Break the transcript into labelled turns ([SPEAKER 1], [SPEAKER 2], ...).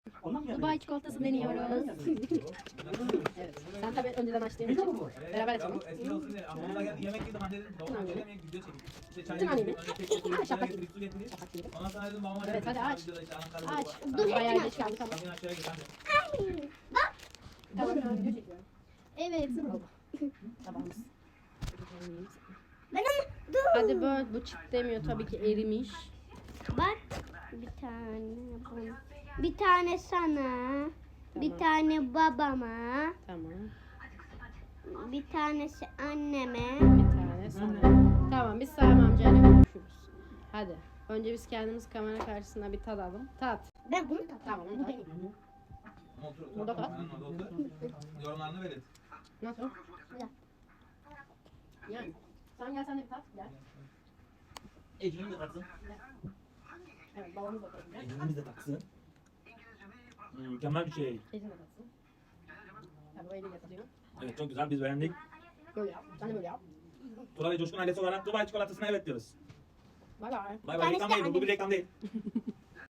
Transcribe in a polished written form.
[SPEAKER 1] Dubai çikolatası deniyoruz. Evet. Sen tabii önceden açtığın için beraber açalım.
[SPEAKER 2] Eskiden olsun diye. Ama ona geldi yemek yedim. Anne dedim babam yemek video çekeyim. İşte çay
[SPEAKER 1] Bütün anneyi.
[SPEAKER 2] getirdim. Çay getirdik, su getirdik. Ondan sonra dedim babama
[SPEAKER 1] Evet, hadi aç.
[SPEAKER 2] videoda işte Ankara'da
[SPEAKER 1] Aç.
[SPEAKER 2] var.
[SPEAKER 1] Dur bayağı geç kaldı tamam.
[SPEAKER 2] Bakın aşağıya git anne.
[SPEAKER 1] Tamam video çekiyorum.
[SPEAKER 3] Evet.
[SPEAKER 1] Tabağımız.
[SPEAKER 3] Ben ama dur.
[SPEAKER 1] Hadi böyle bu çıt demiyor tabii ki erimiş.
[SPEAKER 3] Bak bir tane bana. Bir tane sana. Bir
[SPEAKER 1] Tamam.
[SPEAKER 3] tane babama.
[SPEAKER 1] Tamam.
[SPEAKER 3] Bir tanesi anneme.
[SPEAKER 1] Bir tane sana. Tamam biz Sami amcayla konuşuruz. Hadi. Önce biz kendimiz kamera karşısında bir tadalım. Tat.
[SPEAKER 3] Ben bunu da
[SPEAKER 1] Tamam onu tat.
[SPEAKER 2] Otur, otur.
[SPEAKER 1] Burada kal.
[SPEAKER 2] Aynen, orada otur. Yorumlarını verin.
[SPEAKER 1] Nasıl?
[SPEAKER 3] Güzel.
[SPEAKER 1] Yani. Sen gel sen de bir tat. Gel.
[SPEAKER 4] Ecrin de taksın.
[SPEAKER 1] Evet babamız da tatsın.
[SPEAKER 4] Ecrin'imiz de taksın. Mükemmel bir şey.
[SPEAKER 1] Ecin de tatsın. Tabii o eliyle tadıyor.
[SPEAKER 4] Evet çok güzel biz beğendik.
[SPEAKER 1] Böyle yap. Sen de böyle yap.
[SPEAKER 4] Tural ve Coşkun ailesi olarak Dubai çikolatasına evet diyoruz.
[SPEAKER 1] Bay bay.
[SPEAKER 4] Bay bay
[SPEAKER 3] Tanesi
[SPEAKER 4] reklam
[SPEAKER 3] de
[SPEAKER 4] değil bu bir reklam değil.